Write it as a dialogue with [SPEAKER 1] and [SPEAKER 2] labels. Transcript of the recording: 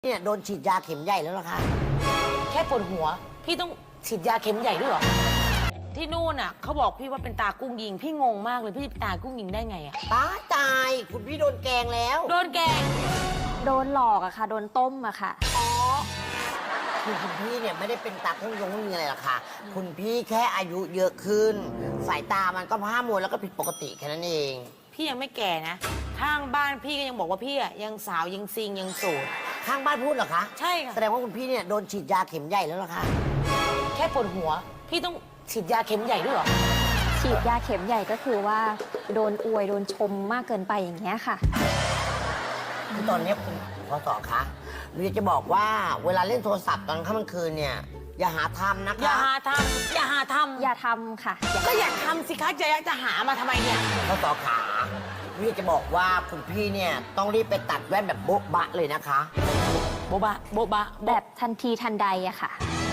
[SPEAKER 1] เนี่ยโดนฉีดยาเข็มใหญ่แล้วเหรอคะ
[SPEAKER 2] แค่ปวดหัวพี่ต้องฉีดยาเข็มใหญ่ด้วยเหรอที่นู่นอ่ะเขาบอกพี่ว่าเป็นตากุ้งยิงพี่งงมากเลยพี่เป็นตากุ้งยิงได้ไงอ่ะ
[SPEAKER 1] ตายคุณพี่โดนแกงแล้ว
[SPEAKER 2] โดนแกง
[SPEAKER 3] โดนหลอกอะค่ะ โดนต้มอะค่ะ
[SPEAKER 1] คือคุณพี่เนี่ยไม่ได้เป็นตาเครื่องยงไม่มีอะไรหรอกค่ะคุณพี่แค่อายุเยอะขึ้น สายตามันก็พร่ามัวแล้วก็ผิดปกติแค่นั้นเอง
[SPEAKER 2] พี่ยังไม่แก่นะข้างบ้านพี่ก็ยังบอกว่าพี่อ่ะยังสาวยังซิงยังโสด
[SPEAKER 1] ข้างบ้านพูดเหรอคะ
[SPEAKER 2] ใช่ค่ะ
[SPEAKER 1] แสดงว่าคุณพี่เนี่ยโดนฉีดยาเข็มใหญ่แล้วเหรอคะ
[SPEAKER 2] แค่ปวดหัวพี่ต้องฉีดยาเข็มใหญ่ด้วยเหรอ
[SPEAKER 3] ฉีดยาเข็มใหญ่ก็คือว่าโดนอวยโดนชมมากเกินไปอย่างเงี้ยค่ะ
[SPEAKER 1] คือตอนนี้คุณพศคะหนูอยากจะบอกว่าเวลาเล่นโทรศัพท์ตอนค่ำกลางคืนเนี่ยอย่าหาทำนะคะ
[SPEAKER 2] อย่าหาทำอย่าหาทำ
[SPEAKER 3] อย่าทำค่ะ
[SPEAKER 2] ก็อยากทำสิคะจะหามาทำไมเนี่ย
[SPEAKER 1] พศขาหนูอยากจะบอกว่าคุณพี่เนี่ยต้องรีบไปตัดแว่นแบบโบ๊ะบะเลยนะคะ
[SPEAKER 2] โบบะโบบะ
[SPEAKER 3] แบบทันทีทันใดอะค่ะ